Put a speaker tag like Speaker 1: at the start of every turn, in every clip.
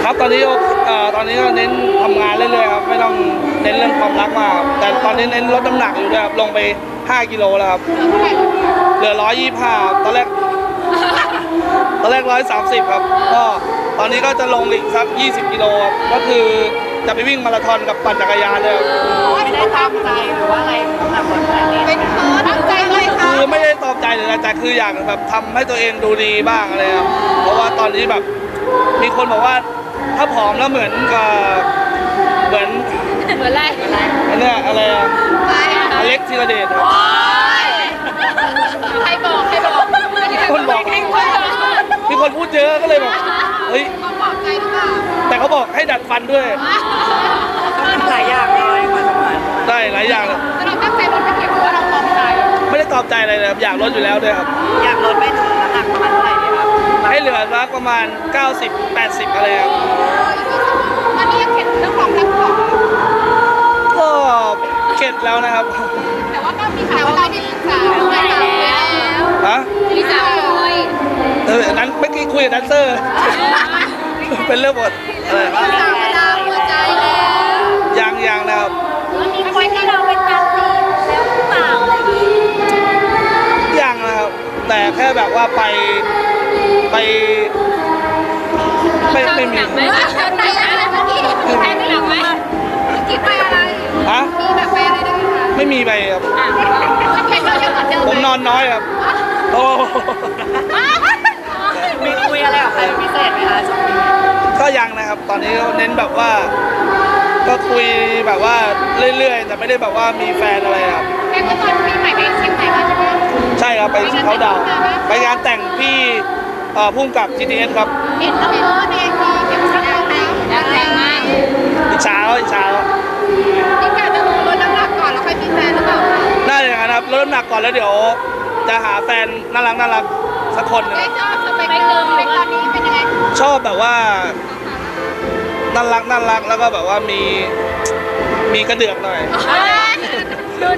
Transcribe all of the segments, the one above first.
Speaker 1: ครับตอนนี้ก็เน้นทำงานเรื่อยๆครับไม่ต้องเน้นเรื่องความรักมากแต่ตอนนี้เน้นลดน้ำหนักอยู่ด้วยครับลงไป5 กิโลแล้วครับเหลือ125ตอนแรก130ครับก็ตอนนี้ก็จะลงอีกสัก20 กิโลครับก็คือจะไปวิ่งมาราธอนกับปั่นจักรยานเลยครับ
Speaker 2: ไม่ได้ตั้งใจหรือว่าอะไรแบบนี้เป็นเพิร์ดตั้งใจเลยค่ะ
Speaker 1: คือไม่ได้ตอบใจหรืออะไรแต่คืออยากแบบทำให้ตัวเองดูดีบ้างอะไรครับเพราะว่าตอนนี้แบบมีคนบอกว่าถ้าผอมแล้วเหมือน
Speaker 2: อะไร
Speaker 1: อันเนี้ยอะไรอะอเล็กธีรเดชครับ
Speaker 2: ใครบอก
Speaker 1: คนบอกมีคนพูดเยอะก็เลยแบบเฮ้ย
Speaker 2: เขาบอกใจหรือเปล่า
Speaker 1: แต่เขาบอกให้ดัดฟันด้วย
Speaker 2: หลายอย่างเลยมาสมัคร
Speaker 1: ได้หลายอย่างเลย
Speaker 2: เราตั้งใจลดไปกี่เพราะว่าเราพอใจ
Speaker 1: ไม่ได้ตอบใจอะไรเลยครับอยากลดอยู่แล้วด้วยครับ
Speaker 2: อยากลดไปถึงน้ำหนักประมาณเท่าไหร่ดีครับ
Speaker 1: ให้เหลือสักประมาณ90-80อะไรครับ
Speaker 2: ตอนนี้ยังเข็ดเรื่องของรักของ
Speaker 1: ก็เข็ดแล้วนะครับ
Speaker 2: แต่ว่าก็มีข่าวว่าเราที่สาวแล้ว
Speaker 1: ฮะ
Speaker 2: มีสาวเลย
Speaker 1: นั้นเมื่อกี้คุยกับแดนเซอร์เป็นเรื่องหมดอะไร
Speaker 2: สาวดาวหัวใจแล้ว
Speaker 1: ยังนะครับ
Speaker 2: มีคนที่เราเป็นการจีบแล้วเปล่าอะไรอย่างนี้
Speaker 1: ยังนะครับแต่แค่แบบว่าไปไม่มี
Speaker 2: ไหมไปอะไรเมื่อกี้ไปไม่หลับไหมเมื่อกี้ไปอะไร
Speaker 1: ฮะ
Speaker 2: มีแบบไปอะไรได้ไหมคะ
Speaker 1: ไม่มีไปครับผมนอนน้อยครับโอ้
Speaker 2: มีคุยอะไรกับใครพิเศษไหมคะช่วงนี้
Speaker 1: ก็ยังนะครับตอนนี้เน้นแบบว่าก็คุยแบบว่าเรื่อยๆแต่ไม่ได้แบบว่ามีแฟนอะไรครับ
Speaker 2: แค่ตอนปีใหม่ไปเชียงใหม่มาใช่ไหม
Speaker 1: ใช่ครับไปเขาดาวไปงานแต่งพี่พุ่งกับ GTS ครับ
Speaker 2: เห็นแล้วเองดีเห็นแล้วแรงมาก
Speaker 1: อิจฉานี่กะ
Speaker 2: จะลดน้ำหนักก่อนแล้วค่อยมีแฟนหรือเปล่า
Speaker 1: น่าจะอย่างนั้นครับลดน้ำหนักก่อนแล้วเดี๋ยวจะหาแฟนน่ารักสักคนนึง
Speaker 2: ชอบสเปคเดิมเป็นตอนนี้เป็นยังไง
Speaker 1: ชอบแบบว่าน่ารักแล้วก็แบบว่ามีกระเดือกหน่อย
Speaker 2: นู่น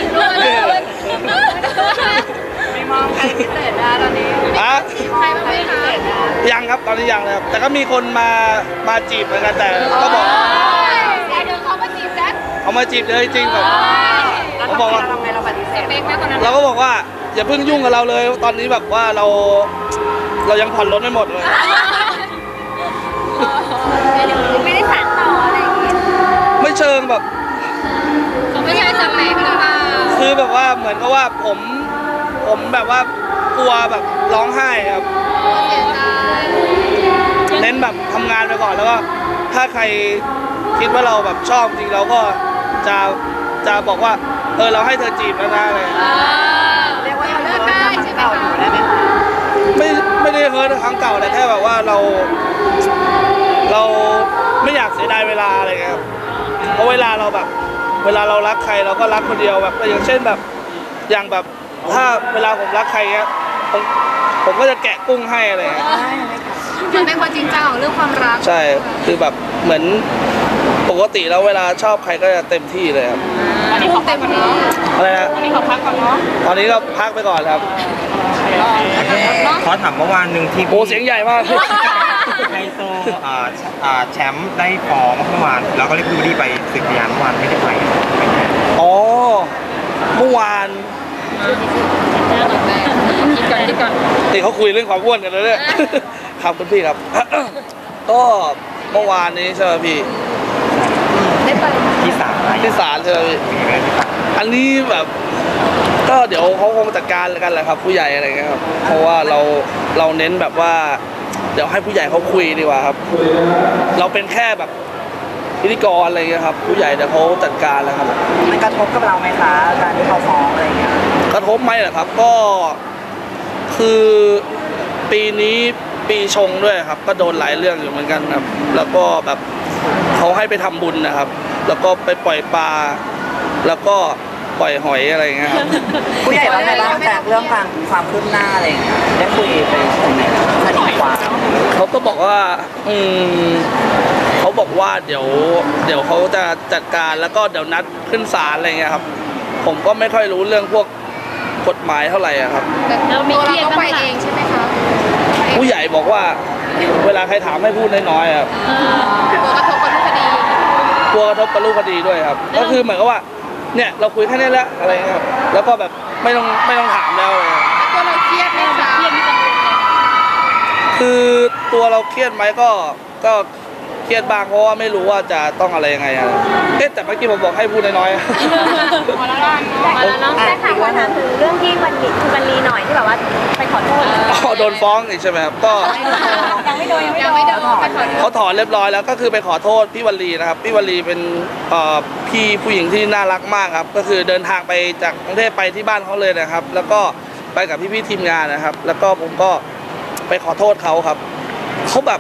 Speaker 2: ไม่มองใครพิเศษนะตอนนี้ใครพิเศษนะ
Speaker 1: ยังครับตอนนี้ยังเลยครับแต่ก็มีคนมาจีบเหมือนกันแต่ก็บอก
Speaker 2: เดินเขามาจีบแจ๊ค
Speaker 1: เขามาจีบเลยจริงแบบเขาบอกว่า
Speaker 2: เราปฏิเสธไหมคนนั้น
Speaker 1: เราก็บอกว่าอย่าเพิ่งยุ่งกับเราเลยตอนนี้แบบว่าเรายังผ่อนรถไม่หมดเลย
Speaker 2: ไม่ได้สานต่ออะไรอย่างงี้
Speaker 1: ไม่เชิงแบบ
Speaker 2: ไม่ใช่สเปคหรือเปล่า
Speaker 1: คือแบบว่าเหมือนกับว่าผมแบบว่ากลัวแบบร้องไห้ครับเน้นแบบทำงานไปก่อนแล้วก็ถ้าใครคิดว่าเราแบบชอบจริงเราก็จะบอกว่าเราให้เธอจีบแล้วนะอะไร
Speaker 2: เรียกว่าเลิกได้ใช่ไหมอยู่ได้ไหม
Speaker 1: ไม่ได้เฮิร์ตครั้งเก่าแต่แค่แบบว่าเราไม่อยากเสียดายเวลาอะไรเงี้ยครับเพราะเวลาเรารักใครเราก็รักคนเดียวแบบอย่างเช่นแบบอย่างแบบถ้าเวลาผมรักใครเงี้ยผมก็จะแกะกุ้งให้อะไรเงี้ย
Speaker 2: มันเป็นคนจริงจังของเรื่องความรัก
Speaker 1: ใช่คือแบบเหมือนปกติแล้วเวลาชอบใครก็จะเต็มที่เลยครับ
Speaker 2: ตอนนี้เขาพักก่อนเนาะ
Speaker 1: อะไรนะ
Speaker 2: ตอนนี้เขาพักก่อนเนาะ
Speaker 1: ตอนนี้ก็พักไปก่อนครับ
Speaker 3: ขอถามเมื่อวานหนึ่งที่
Speaker 1: โอ้เสียงใหญ่มาก
Speaker 3: ไฮโซแชมป์ได้ฟ้องเมื่อวานแล้วก็เรียกดูดีไปศึกพยานเมื่อวานไม่ได้ไป
Speaker 1: อ๋อเมื่อวาน
Speaker 2: คิดก่อน
Speaker 1: ติเขาคุยเรื่องความอ้วนกันเลยเนี่ยครับคุณพี่ครับก็เมื่อวานนี้ใช่ไหมพี่
Speaker 2: ได้ไป
Speaker 3: ที่ศาล
Speaker 1: ใช่ไหมพี่อันนี้แบบก็เดี๋ยวเขาคงจัดการกันแหละครับผู้ใหญ่อะไรเงี้ยครับเพราะว่าเราเน้นแบบว่าเดี๋ยวให้ผู้ใหญ่เขาคุยดีกว่าครับเราเป็นแค่แบบพิธีกรอะไรเงี้ยครับผู้ใหญ่เดี๋ยวเขาจัดการแล้วครับ
Speaker 2: มันกระทบกับเราไหมคะการที่เขาฟ้องอะไรเงี้ย
Speaker 1: กระทบไหมเหรอครับก็คือปีนี้ปีชงด้วยครับก็โดนหลายเรื่องอยู่เหมือนกันครับแล้วก็แบบเขาให้ไปทำบุญนะครับแล้วก็ไปปล่อยปลาแล้วก็ปล่อยหอยอะไรเงี้ยครับ
Speaker 2: ผู้ใหญ่ว่าไงบ้างจากเรื่องความคืบหน้าอะไรเงี้ยได้คุยไปถึงไหนแล้วคดีความ
Speaker 1: เขาก็บอกว่าเขาบอกว่าเดี๋ยวเขาจะจัดการแล้วก็เดี๋ยวนัดขึ้นศาลอะไรเงี้ยครับผมก็ไม่ค่อยรู้เรื่องพวกกฎหมายเท่าไหร่ครับ
Speaker 2: เรามีเราต้องไปเองใช่ไหมคะ
Speaker 1: ผู้ใหญ่บอกว่าเวลาใครถามให้พูดน้อยๆครับ
Speaker 4: กลัวกระทบกับรูปคดี
Speaker 1: กลัวกระทบกับรูปคดีด้วยครับก็คือเหมือนกับว่าเนี่ยเราคุยแค่นี้แล้วอะไรเงี้ยครับแล้วก็แบบไม่ต้องถามแล้วอะไรเงี้ย
Speaker 4: ตัวเราเครียดไหมคะเครียดที่กังวลไหม
Speaker 1: คือตัวเราเครียดไหมก็เครียดบ้างเพราะว่าไม่รู้ว่าจะต้องอะไรยังไงอะแต่เมื่อกี้ผมบอกให้พูดน้อยๆ
Speaker 4: มาแล้วเนาะ
Speaker 5: แต่ค่ะขอถามถึงเรื่องที่วันนี้คุณวันลีหน่อยที่แบบว่าไปขอโทษ
Speaker 1: อ๋อโดนฟ้องอีกใช่ไหมครับก็
Speaker 5: ยังไม่โดน
Speaker 4: ยังไม่โดนไปขอโทษ
Speaker 1: เขาถอนเรียบร้อยแล้วก็คือไปขอโทษพี่วลีนะครับพี่วลีเป็นพี่ผู้หญิงที่น่ารักมากครับก็คือเดินทางไปจากกรุงเทพไปที่บ้านเขาเลยนะครับ แล้วก็ไปกับพี่ๆทีมงานนะครับ แล้วก็ผมก็ไปขอโทษเขาครับเขาแบบ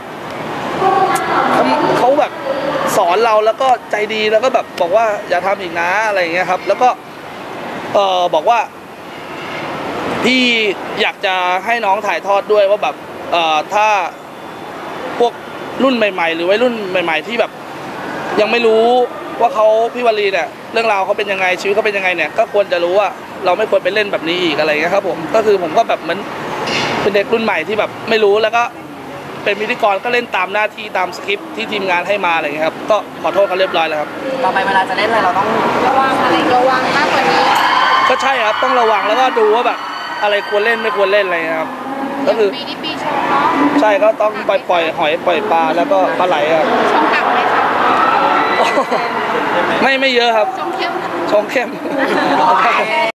Speaker 1: สอนเราแล้วก็ใจดีแล้วก็แบบบอกว่าอย่าทำอีกนะอะไรอย่างเงี้ยครับ แล้วก็บอกว่าพี่อยากจะให้น้องถ่ายทอดด้วยว่าแบบถ้าพวกรุ่นใหม่ๆหรือวัยรุ่นใหม่ๆที่แบบยังไม่รู้ว่าพี่วลีเนี่ยเรื่องราวเขาเป็นยังไงชีวิตเขาเป็นยังไงเนี่ยก็ควรจะรู้ว่าเราไม่ควรไปเล่นแบบนี้อีกอะไรเงี้ยครับผมก็คือผมก็แบบเหมือนเป็นเด็กรุ่นใหม่ที่แบบไม่รู้แล้วก็เป็นพิธีกรก็เล่นตามหน้าที่ตามสคริปต์ที่ทีมงานให้มาอะไรเงี้ยครับก็ขอโทษเขาเรียบร้อยแล้วครับ
Speaker 2: ต่อไปเวลาจะเล่นอะไรเราต้อง
Speaker 4: ระวังมากกว่านี้
Speaker 1: ก็ใช่ครับต้องระวังแล้วก็ดูว่าแบบอะไรควรเล่นไม่ควรเล่นอะไรเงี้ยครับก็คือ
Speaker 4: ปีนี้ปีชงเนาะ
Speaker 1: ใช่ก็ต้องปล่อยหอยปล่อยปลาแล้วก็ปลาไหลครับ
Speaker 4: ชงกลับไหมคะ
Speaker 1: ไม่เยอะครับ
Speaker 4: ชงเข้ม
Speaker 1: ชงเข้ม